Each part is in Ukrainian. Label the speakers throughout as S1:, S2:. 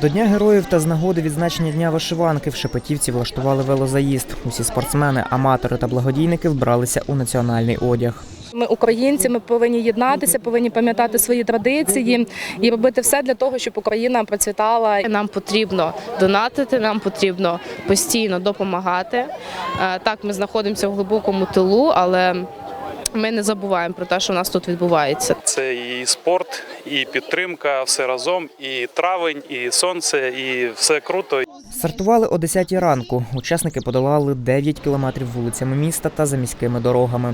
S1: До Дня героїв та з нагоди відзначення Дня вишиванки в Шепетівці влаштували велозаїзд. Усі спортсмени, аматори та благодійники вбралися у національний одяг.
S2: Ми українці, ми повинні єднатися, повинні пам'ятати свої традиції і робити все для того, щоб Україна процвітала.
S3: Нам потрібно донатити, нам потрібно постійно допомагати. Так, ми знаходимося в глибокому тилу, але ми не забуваємо про те, що у нас тут відбувається.
S4: Це і спорт, і підтримка, все разом, і травень, і сонце, і все круто.
S1: Стартували о 10-й ранку. Учасники подолали 9 кілометрів вулицями міста та за міськими дорогами.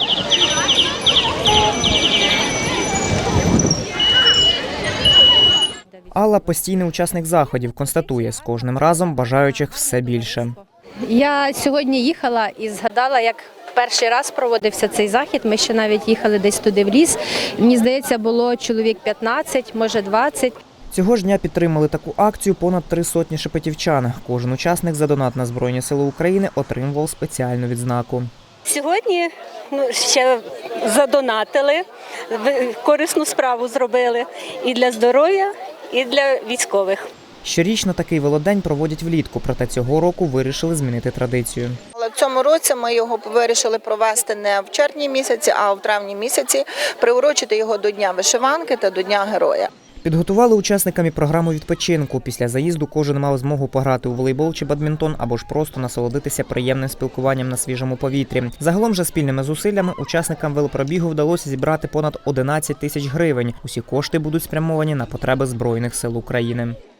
S1: Алла – постійний учасник заходів, констатує, з кожним разом бажаючих все більше.
S5: Я сьогодні їхала і згадала, як перший раз проводився цей захід. Ми ще навіть їхали десь туди в ліс. Мені здається, було чоловік 15, може 20.
S1: Цього ж дня підтримали таку акцію понад 300 шепетівчан. Кожен учасник за донат на Збройні Сили України отримував спеціальну відзнаку.
S6: Сьогодні ще задонатили, корисну справу зробили і для здоров'я, і для військових.
S1: Щорічно такий велодень проводять влітку, проте цього року вирішили змінити традицію.
S7: Але в цьому році ми його вирішили провести не в червні місяці, а в травні місяці, приурочити його до Дня вишиванки та до Дня героя.
S1: Підготували учасникам і програму відпочинку. Після заїзду кожен мав змогу пограти у волейбол чи бадмінтон або ж просто насолодитися приємним спілкуванням на свіжому повітрі. Загалом же спільними зусиллями учасникам велопробігу вдалося зібрати понад 11 тисяч гривень. Усі кошти будуть спрямовані на потреби Збройних сил України.